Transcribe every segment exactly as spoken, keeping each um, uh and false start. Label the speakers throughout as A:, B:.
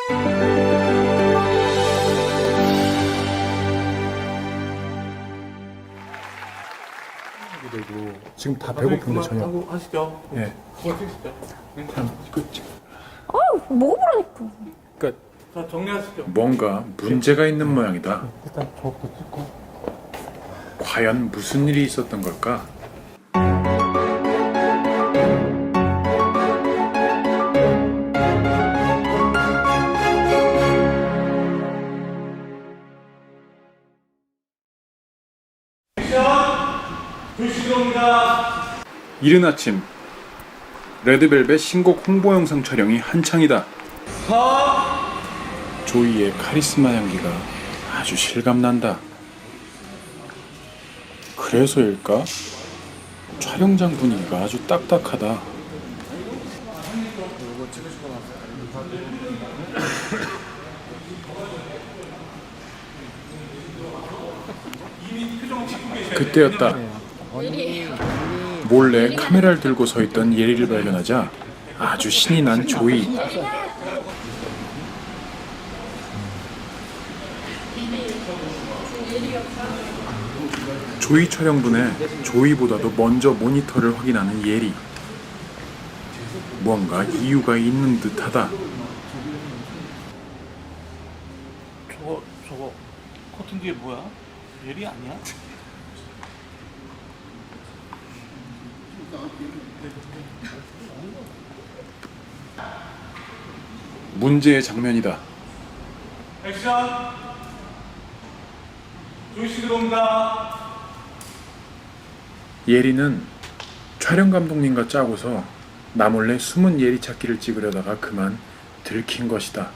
A: 되고 지금 다 배고픈데 전혀.
B: 하고 하시죠.
A: 예.
B: 그거 찍으시죠.
A: 참, 그,
C: 아, 먹어보라니까.
A: 그러니까
B: 자, 정리하시죠.
D: 뭔가 문제가 있는 모양이다.
A: 일단 저부터 찍고.
D: 과연 무슨 일이 있었던 걸까? 이른 아침 레드벨벳 신곡 홍보 영상 촬영이 한창이다. 조이의 카리스마 향기가 아주 실감난다. 그래서일까? 촬영장 분위기가 아주 딱딱하다. 그때였다. 몰래 카메라를 들고 서 있던 예리를 발견하자 아주 신이 난 조이. 조이 촬영분에 조이보다도 먼저 모니터를 확인하는 예리. 뭔가 이유가 있는 듯하다.
B: 저거 저거 커튼 뒤에 뭐야? 예리 아니야?
D: 문제의 장면이다.
B: 액션. 조이 씨 들어옵니다.
D: 예리는 촬영 감독님과 짜고서 나몰래 숨은 예리 찾기를 찍으려다가 그만 들킨 것이다.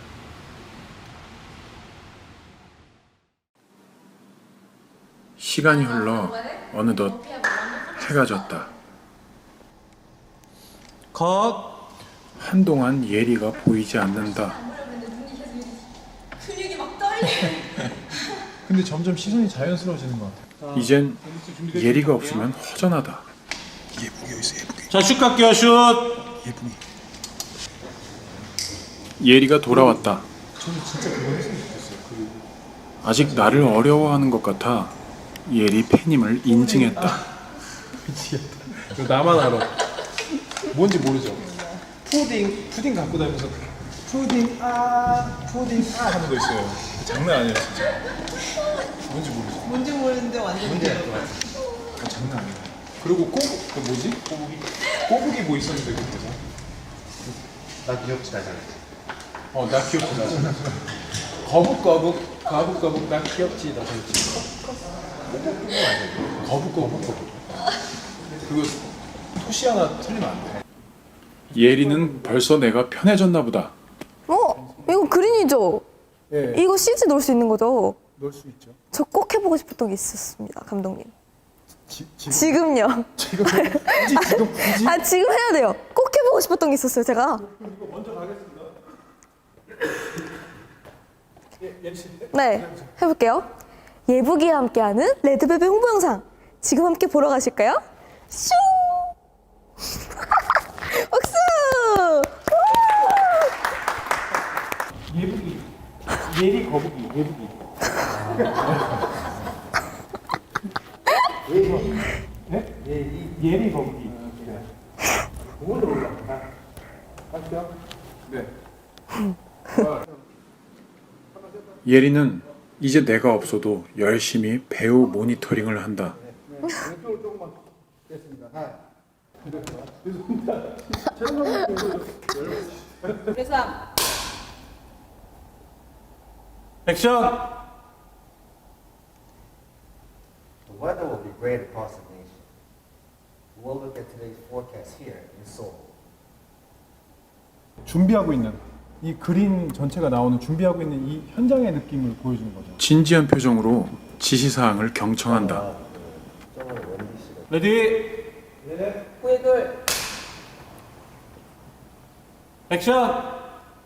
D: 시간이 흘러 어느덧 해가 졌다.
B: 컷.
D: 한동안 예리가 보이지 않는다.
C: 근육이 막 떨려.
A: 근데 점점 시선이 자연스러워지는 것 같아.
D: 이젠 예리가 없으면 허전하다.
A: 예쁘게 여기 있어, 예쁘게.
B: 자, 슛 갈게요. 슛.
A: 예쁘게.
D: 예리가 돌아왔다.
A: 저는 진짜 그거 했으면 좋겠어요. 그
D: 아직 나를 어려워하는 것 같아 예리 팬임을 인증했다.
A: 미치겠다. 이거 나만 알아. 뭔지 모르죠. 푸딩, 푸딩 갖고 다니면서 푸딩 아, 푸딩 아 하는 거 있어요. 장난 아니에요, 진짜. 뭔지 모르죠.
E: 뭔지 모르는데 완전
A: 뭔지 알 것 같아. 아, 장난 아니에요. 그리고 꼬부, 그 뭐지? 꼬부기? 꼬부기 뭐 있었는데 그거 뭐죠?
F: 나 귀엽지 나잖아.
A: 어, 나 귀엽지 나. 거북거북, 거북거북, 나 귀엽지 나 잘지. 거북거북, 거북. 그거 토시 하나 틀리면 안 돼.
D: 예리는 벌써 내가 편해졌나 보다.
C: 어? 이거 그린이죠?
A: 예,
C: 이거 씨지 넣을 수 있는 거죠?
A: 넣을 수 있죠.
C: 저 꼭 해보고 싶었던 게 있었습니다, 감독님.
A: 지, 지금,
C: 지금요.
A: 지금 굳이 지금 굳이
C: 아, 지금 해야 돼요. 꼭 해보고 싶었던 게 있었어요, 제가. 네, 해볼게요. 예북이와 함께하는 레드벨벳 홍보 영상. 지금 함께 보러 가실까요? 슝! 박수!
A: 예북이, 예리 거북이, 예북이. 예리, 네? 예리, 예리 거북이. 그걸로 올라가. 맞죠? 네.
D: 예리는 이제 내가 없어도 열심히 배우 모니터링을 한다.
A: 왼쪽으로 조금만 됐습니다. 하나.
E: 그래서
B: 액션.
F: The weather will be great across the nation. We'll look at today's forecast here in Seoul.
A: 준비하고 있는 이 그림 전체가 나오는 준비하고 있는 이 현장의 느낌을 보여주는 거죠.
D: 진지한 표정으로 지시사항을 경청한다.
F: 저번에 원디 씨가
B: 레디.
E: 구해돌
B: 액션.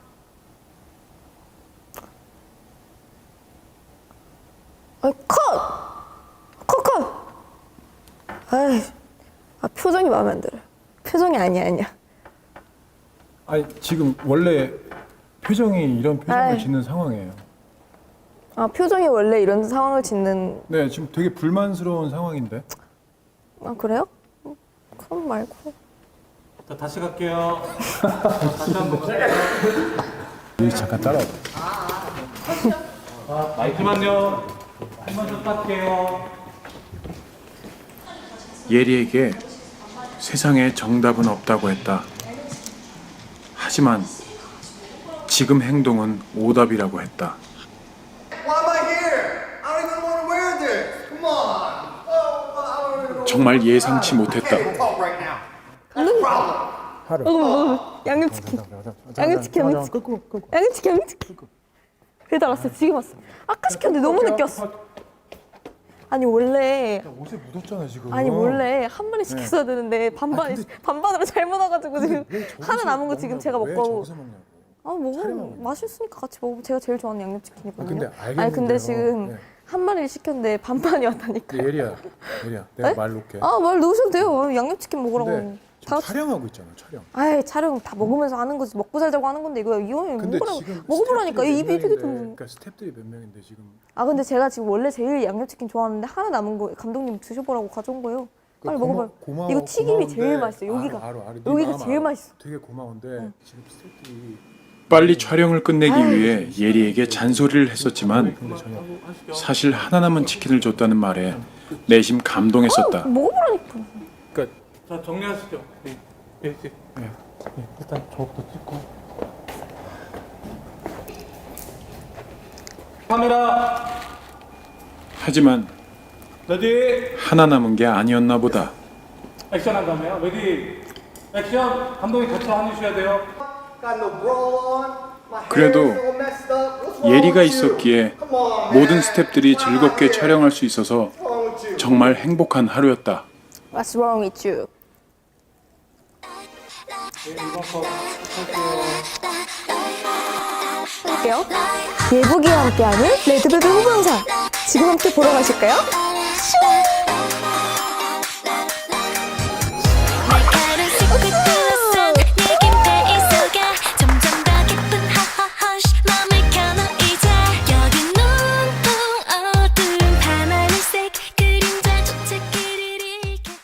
C: 아, 컷! 컷, 컷! 아이, 아, 표정이 마음에 안 들어요. 표정이 아니야, 아니야.
A: 아니 지금 원래 표정이 이런 표정을
C: 아이.
A: 짓는 상황이에요.
C: 아, 표정이 원래 이런 상황을 짓는.
A: 네, 지금 되게 불만스러운 상황인데.
C: 아, 그래요? 음, 그럼 말고.
B: 자, 다시 갈게요. 다시 한번 갈게요.
A: 여기 잠깐 따라와.
B: 아, 잠시만요. 한번 더 닦게요.
D: 예리에게 세상에 정답은 없다고 했다. 하지만 지금 행동은 오답이라고 했다.
F: Why am I here? I don't even want to wear this. Come on. Oh, I don't even
D: 정말 예상치 못했다.
F: talk right now.
A: 하루.
C: 어, 양념치킨. 양념치킨, 양념치킨. 양념치킨, 양념치킨. 배달 왔어. 지금 왔어. 아까 시켰는데 너무 늦게 왔어. 아니 원래
A: 옷에 묻었잖아 지금.
C: 아니 원래 한 마리 시켰어야 되는데 반반
A: 아니, 근데-
C: 반반으로 잘못 와가지고 지금
A: 왜 저기서
C: 하나 남은 거 지금
A: 먹냐고,
C: 제가
A: 왜
C: 먹고.
A: 저기서 먹냐고.
C: 아 먹으면 맛있으니까 같이 먹으면 제가 제일 좋아하는 양념치킨이거든요.
A: 아, 근데
C: 아니 근데
A: 알겠는데요.
C: 지금
A: 네.
C: 한 마리를 시켰는데 반반이 왔다니까.
A: 근데 예리야, 예리야, 내가
C: 네?
A: 말 놓게.
C: 아 말 넣으셔도 돼요. 양념치킨 먹으라고.
A: 근데
C: 다
A: 지금 촬영하고 있잖아, 촬영.
C: 아이 촬영 다 먹으면서 하는 거지. 먹고 살자고 하는 건데 이거 이거
A: 근데
C: 먹으라고
A: 지금
C: 먹어보라니까.
A: 스태프들이
C: 이
A: 몇
C: 비디오
A: 명인데,
C: 좀.
A: 그러니까 스태프들이 몇 명인데 지금.
C: 아 근데 제가 지금 원래 제일 양념치킨 좋아하는데 하나 남은 거 감독님 드셔보라고 가져온 거예요. 빨리
A: 고마-
C: 먹어봐요.
A: 고마워,
C: 이거 튀김이
A: 고마운데-
C: 제일 맛있어요. 여기가
A: 알아, 알아, 알아. 네
C: 여기가
A: 마음
C: 제일
A: 알아.
C: 맛있어.
A: 되게 고마운데 지금 스태프들이
D: 빨리 촬영을 끝내기 위해 예리에게 잔소리를 했었지만 사실 하나 남은 치킨을 줬다는 말에 내심 감동했었다.
C: 먹어보라니까.
A: 그러니까
B: 자, 정리하시죠. 네. 예, 예. 예, 일단 저부터 찍고. 카메라
D: 하지만
B: 레디
D: 하나 남은 게 아니었나 보다.
B: 액션 한 다음에요. 레디 액션. 감독님 같이 해주셔야 돼요.
F: Got no bra on. My hair
D: 그래도
F: is all messed up. What's wrong
D: 예리가
F: with you?
D: 있었기에
F: Come on,
D: 모든
F: man.
D: 스태프들이
F: Why am I
D: 즐겁게
F: here?
D: 촬영할 수 있어서
F: What's wrong with you?
D: 정말 행복한 하루였다.
C: What's wrong with you?
B: 네, 이번 거 할게요.
C: 할게요. 예복이와 함께하는 레드벨벳 홍보 영상 지금 함께 보러 가실까요?